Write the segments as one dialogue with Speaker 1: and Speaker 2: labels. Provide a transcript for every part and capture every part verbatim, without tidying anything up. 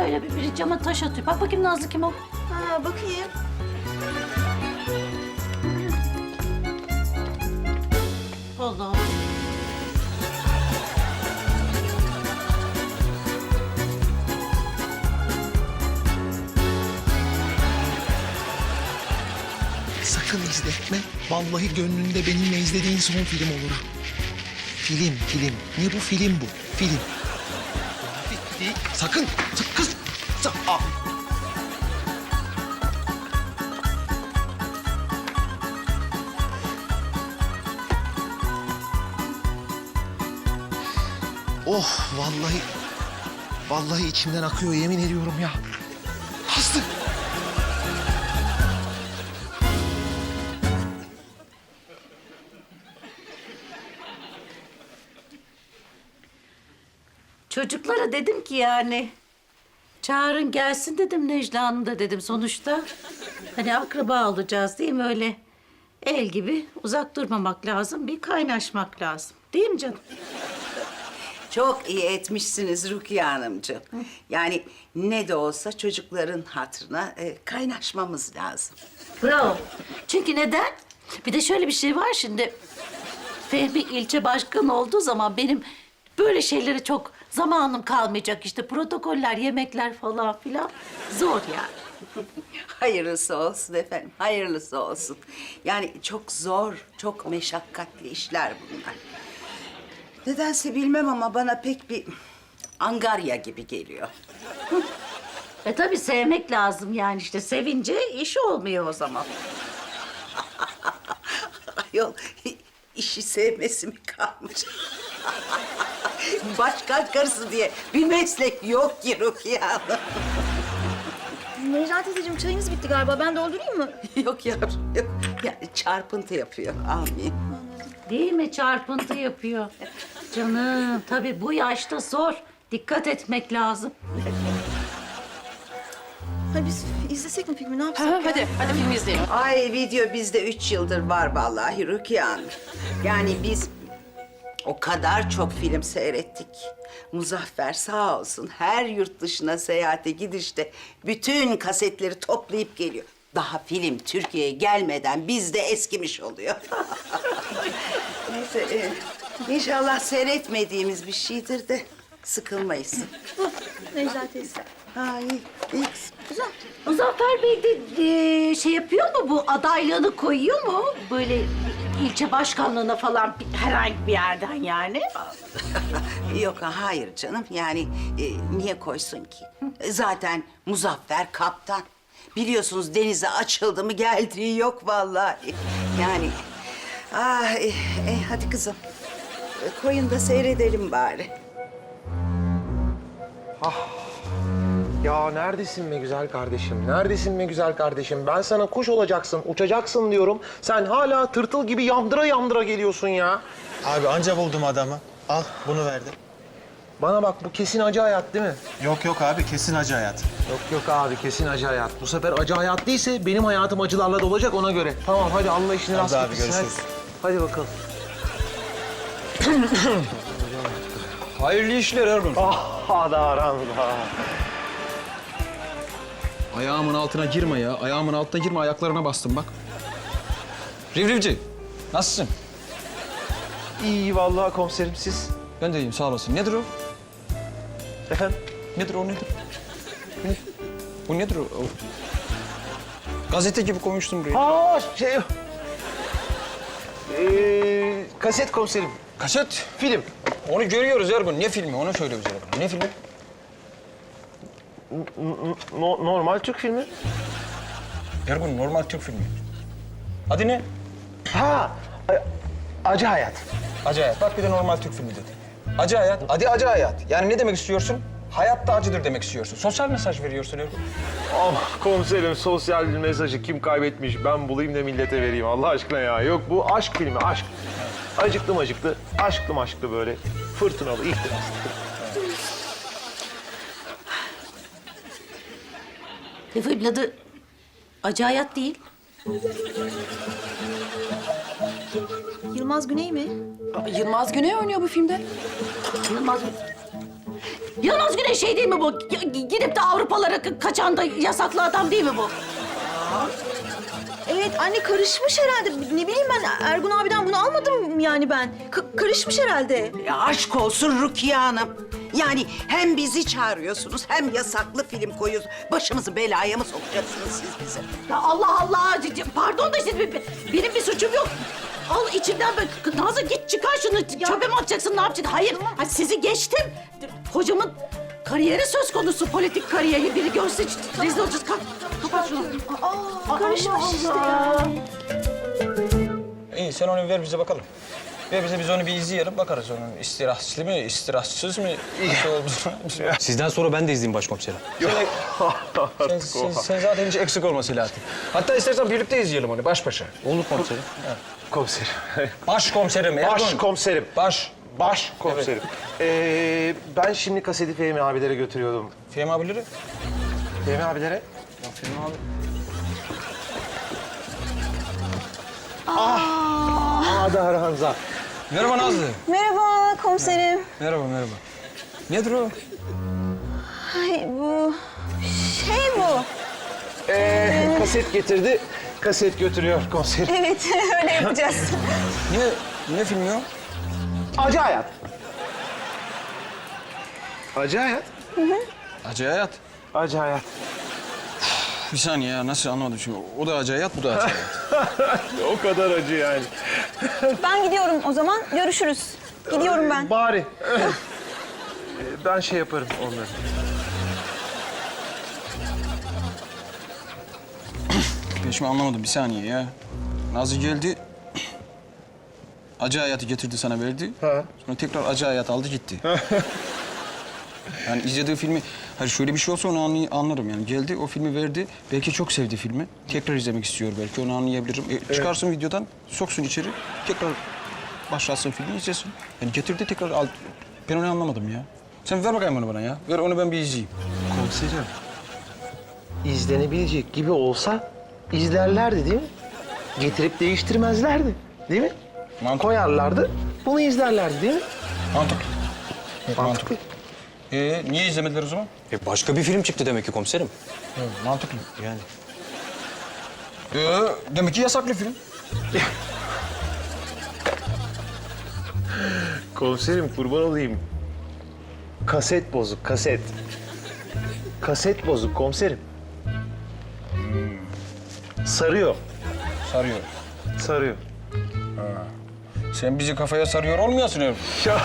Speaker 1: Böyle bir, bir cama taş atıyor. Bak bakayım Nazlı kim o?
Speaker 2: Ha, bakayım.
Speaker 1: Allah.
Speaker 3: Sakın izletme. Vallahi gönlünde benimle izlediğin son film olur ha. Film, film. Ne bu? Film bu. Film. Sakın. Sakın. Kız. Sa- Aa. Oh vallahi. Vallahi içimden akıyor yemin ediyorum ya. Aslı.
Speaker 1: Çocuklara dedim ki yani çağırın gelsin dedim Necla Hanım da dedim sonuçta. Hani akraba olacağız değil mi öyle? El gibi uzak durmamak lazım, bir kaynaşmak lazım. Değil mi canım?
Speaker 4: Çok iyi etmişsiniz Rukiye Hanımcığım. Yani ne de olsa çocukların hatırına e, kaynaşmamız lazım.
Speaker 1: Bravo. Çünkü neden? Bir de şöyle bir şey var şimdi. Fehmi ilçe başkanı olduğu zaman benim böyle şeylere çok zamanım kalmayacak. İşte protokoller, yemekler falan filan zor yani.
Speaker 4: Hayırlısı olsun efendim, hayırlısı olsun. Yani çok zor, çok meşakkatli işler bunlar. Nedense bilmem ama bana pek bir angarya gibi geliyor.
Speaker 1: E tabii sevmek lazım yani işte sevince iş olmuyor o zaman.
Speaker 4: Ayol, işi sevmesi mi kalmış? Başkan karısı diye bir meslek yok ki Rukiye Hanım.
Speaker 2: Necla teyzeciğim çayınız bitti galiba. Ben doldurayım mı?
Speaker 4: Yok yavrum, yok. Yani çarpıntı yapıyor, amin.
Speaker 1: Değil mi? Çarpıntı yapıyor. Canım tabii bu yaşta zor. Dikkat etmek lazım.
Speaker 2: Ha, biz izlesek mi filmi? Ne yapsak?
Speaker 5: Ha, hadi, hadi film izleyelim.
Speaker 4: Ay video bizde üç yıldır var vallahi Rukiye Hanım. Yani biz o kadar çok film seyrettik. Muzaffer sağ olsun her yurt dışına seyahate gidişte bütün kasetleri toplayıp geliyor. Daha film Türkiye'ye gelmeden bizde eskimiş oluyor. Neyse e, inşallah seyretmediğimiz bir şeydir de sıkılmayız.
Speaker 2: Necla teyze.
Speaker 4: Ha iyi, iyi.
Speaker 2: Güzel.
Speaker 1: Muzaffer Bey de e, şey yapıyor mu bu adaylığını koyuyor mu? Böyle ilçe başkanlığına falan bir- herhangi bir yerden yani.
Speaker 4: Yok hayır canım yani e, niye koysun ki? E, Zaten Muzaffer kaptan. Biliyorsunuz denize açıldı mı geldiği yok vallahi. Yani ah e, e, hadi kızım E, koyun da seyredelim bari.
Speaker 3: Ya neredesin be güzel kardeşim? Neredesin be güzel kardeşim? Ben sana kuş olacaksın, uçacaksın diyorum. Sen hala tırtıl gibi yandıra yandıra geliyorsun ya.
Speaker 6: Abi anca buldum adamı. Al bunu verdim.
Speaker 3: Bana bak bu kesin acı hayat değil mi?
Speaker 6: Yok yok abi kesin acı hayat.
Speaker 3: Yok yok abi kesin acı hayat. Bu sefer acı hayat değilse benim hayatım acılarla dolacak ona göre. Tamam hadi Allah işini
Speaker 6: Hadi
Speaker 3: rast
Speaker 6: abi,
Speaker 3: getirsin.
Speaker 6: görüşürüz.
Speaker 3: Hadi, hadi bakalım.
Speaker 7: Hayırlı işler Ergun.
Speaker 3: Ah da aramda.
Speaker 7: Ayağımın altına girme ya. Ayağımın altına girme. Ayaklarına bastım bak. Rivrivci, nasılsın?
Speaker 3: İyi vallahi komiserim siz.
Speaker 7: Ben de iyiyim, sağ olasın. Nedir o?
Speaker 3: Efendim?
Speaker 7: Nedir o, nedir? Bu ne? Bu nedir o? o? Gazete gibi koymuştum buraya.
Speaker 3: Aa şey... Ee, kaset komiserim.
Speaker 7: Kaset.
Speaker 3: Film.
Speaker 7: Onu görüyoruz Ergun. Ne filmi? Onu söyle bize bakalım. Ne filmi?
Speaker 3: No- normal Türk filmi.
Speaker 7: Ergun, normal Türk filmi. Adı ne?
Speaker 3: Ha, a- acı hayat.
Speaker 7: Acı Hayat. Bak bir de normal Türk filmi dedi. Acı Hayat. Adı Acı Hayat. Yani ne demek istiyorsun? Hayatta acıdır demek istiyorsun. Sosyal mesaj veriyorsun Ergun.
Speaker 8: Ama komiserim sosyal mesajı kim kaybetmiş ben bulayım da millete vereyim Allah aşkına ya. Yok bu aşk filmi aşk. Acıklı macıklı, aşklı maşklı böyle fırtınalı ihtiraslı.
Speaker 1: E, filmin adı Acı Hayat değil.
Speaker 2: Yılmaz Güney mi?
Speaker 5: Aa, Yılmaz Güney oynuyor bu filmde.
Speaker 1: Yılmaz Yılmaz Güney şey değil mi bu? G- Gidip de Avrupalara ka- kaçan da yasaklı adam değil mi bu?
Speaker 2: Evet anne karışmış herhalde. Ne bileyim ben Ergun abiden bunu almadım yani ben. K- karışmış herhalde.
Speaker 4: Ya aşk olsun Rukiye Hanım. Yani hem bizi çağırıyorsunuz hem yasaklı film koyuyorsunuz. Başımızı belaya mı sokacaksınız siz bize?
Speaker 1: Ya Allah Allah! c- c- Pardon da işte be- benim bir suçum yok. Al içinden böyle. Nazlı git çıkar şunu. Çöpe mi atacaksın, ne yapacaksın? Hayır, ha, sizi geçtim. Hocamın kariyeri söz konusu, politik kariyeri. Biri görse ç- rezil olacağız. Kalk, kapat şunu.
Speaker 2: Aa, karışmış işte ya.
Speaker 7: İyi sen onu ver bize bakalım. Ver bize biz onu bir izleyelim bakarız onun istirahatlı mı, istirahatsız mı, nasıl olduğunu.
Speaker 5: Sizden sonra ben de izleyeyim başkomiserim.
Speaker 7: sen, sen, sen zaten hiç eksik olma Selahattin. Hatta istersen birlikte izleyelim onu baş başa.
Speaker 5: Olur komiserim.
Speaker 3: Komiserim.
Speaker 7: Başkomiserim Ergun.
Speaker 3: Başkomiserim.
Speaker 7: Baş.
Speaker 3: Baş komiserim. Ee, ben şimdi kaseti Fehmi abilere götürüyordum.
Speaker 7: Fehmi abileri.
Speaker 3: Fehmi abilere?
Speaker 7: Ya Fehmi abi.
Speaker 3: Adar Hanza.
Speaker 7: Merhaba Nazlı.
Speaker 2: Merhaba komiserim.
Speaker 7: Merhaba merhaba. Nedir o?
Speaker 2: Ay bu şey bu.
Speaker 3: Ee, kaset getirdi. Kaset götürüyor komiserim.
Speaker 2: Evet öyle yapacağız.
Speaker 7: Ne, ne filmi o?
Speaker 3: Acı Hayat. Acı Hayat.
Speaker 7: Acı Hayat.
Speaker 3: Acı Hayat.
Speaker 7: Bir saniye ya nasıl anlamadım şimdi. O da Acı Hayat, bu da Acı Hayat.
Speaker 3: O kadar acı yani.
Speaker 2: Ben gidiyorum o zaman. Görüşürüz. Gidiyorum ben.
Speaker 3: Bari. Ee, ben şey yaparım onları.
Speaker 7: Ben şimdi anlamadım bir saniye ya. Nazlı geldi. Acı Hayat'ı getirdi sana verdi.
Speaker 3: Ha.
Speaker 7: Sonra tekrar Acı Hayat aldı gitti. Yani izlediği filmi, hayır şöyle bir şey olsa onu anlay- anlarım yani. Geldi o filmi verdi, belki çok sevdi filmi. Tekrar izlemek istiyor belki, onu anlayabilirim. E, çıkarsın videodan, soksun içeri, tekrar başlatsın filmi izlesin. Yani getirdi tekrar al. Ben onu anlamadım ya. Sen ver bakayım onu bana ya. Ver onu ben bir izleyeyim.
Speaker 3: Komiserim. İzlenebilecek gibi olsa izlerlerdi değil mi? Getirip değiştirmezlerdi. Değil mi?
Speaker 7: Mantıklı.
Speaker 3: Koyarlardı, bunu izlerlerdi değil mi?
Speaker 7: Mantıklı.
Speaker 3: Mantıklı.
Speaker 7: Ee, niye izlemediler o zaman?
Speaker 5: E başka bir film çıktı demek ki komiserim.
Speaker 7: Mantıklı.
Speaker 5: Yani.
Speaker 7: Ee, demek ki yasaklı film.
Speaker 3: Komiserim kurban olayım. Kaset bozuk, kaset. Kaset bozuk komiserim. Sarıyor,
Speaker 7: Sarıyor.
Speaker 3: sarıyor.
Speaker 7: Sen bizi kafaya sarıyor olmayasın Ergun.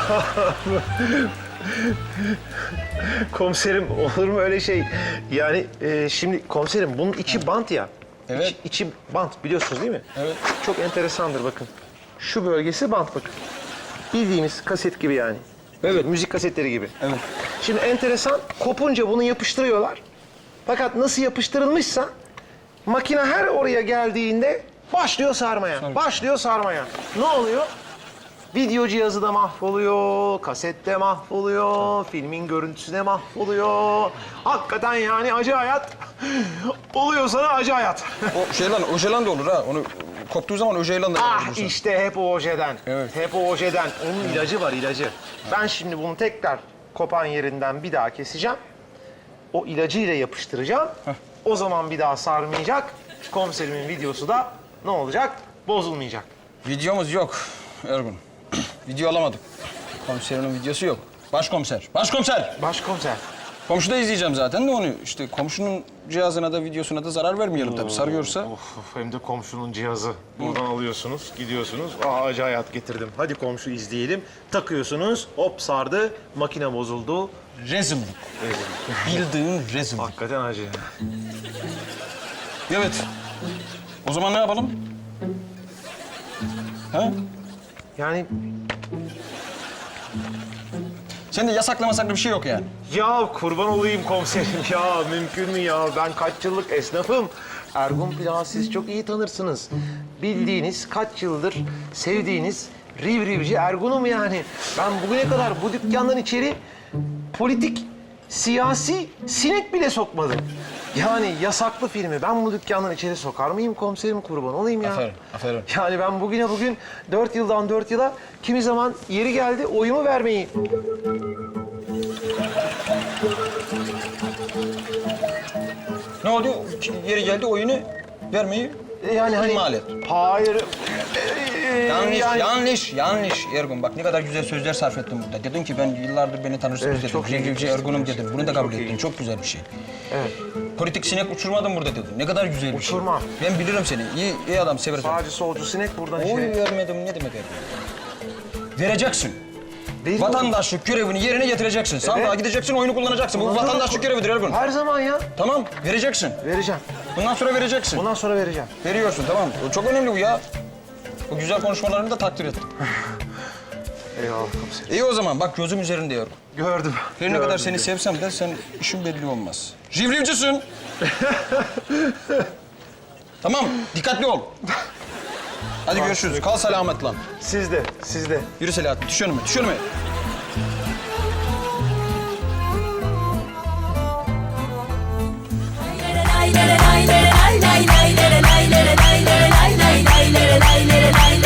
Speaker 3: Komiserim olur mu öyle şey? Yani e, şimdi komiserim bunun içi bant ya.
Speaker 7: Evet.
Speaker 3: İçi, içi bant biliyorsunuz değil mi?
Speaker 7: Evet.
Speaker 3: Çok enteresandır bakın. Şu bölgesi bant bakın. Bildiğimiz kaset gibi yani.
Speaker 7: Evet.
Speaker 3: Müzik kasetleri gibi.
Speaker 7: Evet.
Speaker 3: Şimdi enteresan, kopunca bunu yapıştırıyorlar. Fakat nasıl yapıştırılmışsa makine her oraya geldiğinde başlıyor sarmaya. Başlıyor sarmaya. Ne oluyor? Video cihazı da mahvoluyor, kaset de mahvoluyor, filmin görüntüsü de mahvoluyor. Hakikaten yani acı hayat. Oluyor sana acı hayat.
Speaker 7: O şeylan, o şeylan da olur ha. Onu koptuğu zaman o şeylan da
Speaker 3: Ah
Speaker 7: bulursun.
Speaker 3: işte hep o ojeden.
Speaker 7: Evet.
Speaker 3: Hep o ojeden. Onun ilacı var ilacı. Ben şimdi bunu tekrar kopan yerinden bir daha keseceğim. O ilacıyla yapıştıracağım. O zaman bir daha sarmayacak. Komiserimin videosu da ne olacak? Bozulmayacak.
Speaker 7: Videomuz yok Ergun. Video alamadık. Komiserin videosu yok. Başkomiser, başkomiser.
Speaker 3: Başkomiser.
Speaker 7: Komşuda izleyeceğim zaten de onu. İşte komşunun cihazına da videosuna da zarar vermeyelim tabii. Sarıyorsa.
Speaker 3: Of, of, hem de komşunun cihazı. Buradan alıyorsunuz, gidiyorsunuz. Aa acı hayat getirdim. Hadi komşu izleyelim. Takıyorsunuz, hop sardı, makine bozuldu.
Speaker 7: Rezillik. Bildiğin rezillik.
Speaker 3: Hakikaten acı.
Speaker 7: Evet. O zaman ne yapalım? Ha?
Speaker 3: Yani
Speaker 7: Sende yasaklı masaklı bir şey yok yani.
Speaker 3: ya kurban olayım komiserim ya mümkün mü ya? Ben kaç yıllık esnafım. Ergun Plak'ı siz çok iyi tanırsınız. Bildiğiniz kaç yıldır sevdiğiniz riv rivci Ergun'um yani. Ben bugüne kadar bu dükkandan içeri politik, siyasi sinek bile sokmadım. Yani yasaklı filmi ben bu dükkandan içeri sokar mıyım komiserim kurban olayım ya?
Speaker 7: Aferin, aferin.
Speaker 3: Yani ben bugüne bugün dört yıldan dört yıla kimi zaman yeri geldi oyumu vermeyi
Speaker 7: Ne oldu? Yeri geldi oyunu vermeyi
Speaker 3: E, Yani hani...
Speaker 7: ihmal et.
Speaker 3: Hayır. Ee,
Speaker 7: Yanlış,
Speaker 3: yani-
Speaker 7: yanlış, yanlış Ergun. Bak ne kadar güzel sözler sarf ettin burada. Dedin ki ben yıllardır beni tanırsınız
Speaker 3: Evet,
Speaker 7: dedim.
Speaker 3: çok iyi
Speaker 7: Rivrivci
Speaker 3: gitmişsin
Speaker 7: Ergun'um
Speaker 3: gerçekten.
Speaker 7: dedim. Bunu da kabul
Speaker 3: Çok iyi
Speaker 7: ettin. Çok güzel bir şey.
Speaker 3: Evet.
Speaker 7: Politik sinek uçurmadın burada dedim. Ne kadar güzel bir
Speaker 3: Uçurmam.
Speaker 7: şey. Ben bilirim seni. İyi, iyi adam severim.
Speaker 3: Sağcı solcu sinek buradan
Speaker 7: Oy
Speaker 3: şey...
Speaker 7: vermedim ne demek Ergun? Vereceksin.
Speaker 3: Değil
Speaker 7: Vatandaşlık görevini yerine getireceksin. Sandığa
Speaker 3: Evet.
Speaker 7: gideceksin, oyunu kullanacaksın. Bu
Speaker 3: Bundan sonra-
Speaker 7: vatandaşlık görevidir Ergun.
Speaker 3: Her zaman ya.
Speaker 7: Tamam, vereceksin.
Speaker 3: Vereceğim.
Speaker 7: Bundan sonra vereceksin.
Speaker 3: Bundan sonra vereceğim.
Speaker 7: Veriyorsun, tamam. O çok önemli bu ya. Bu güzel konuşmalarını da takdir ettim.
Speaker 3: Eyvallah komiserim.
Speaker 7: İyi o zaman, bak gözüm üzerinde Ergun.
Speaker 3: Gördüm.
Speaker 7: Her ne
Speaker 3: gördüm,
Speaker 7: kadar seni
Speaker 3: gördüm.
Speaker 7: sevsem de sen işin belli olmaz. Rivrivcisin. Tamam, dikkatli ol. Hadi görüşürüz. Kal selamet lan.
Speaker 3: Siz de, siz de.
Speaker 7: Yürü Selahattin, düş önüme, düş önüme.
Speaker 9: lay lay lay lay lay lay lay lay lay lay lay lay lay lay lay lay lay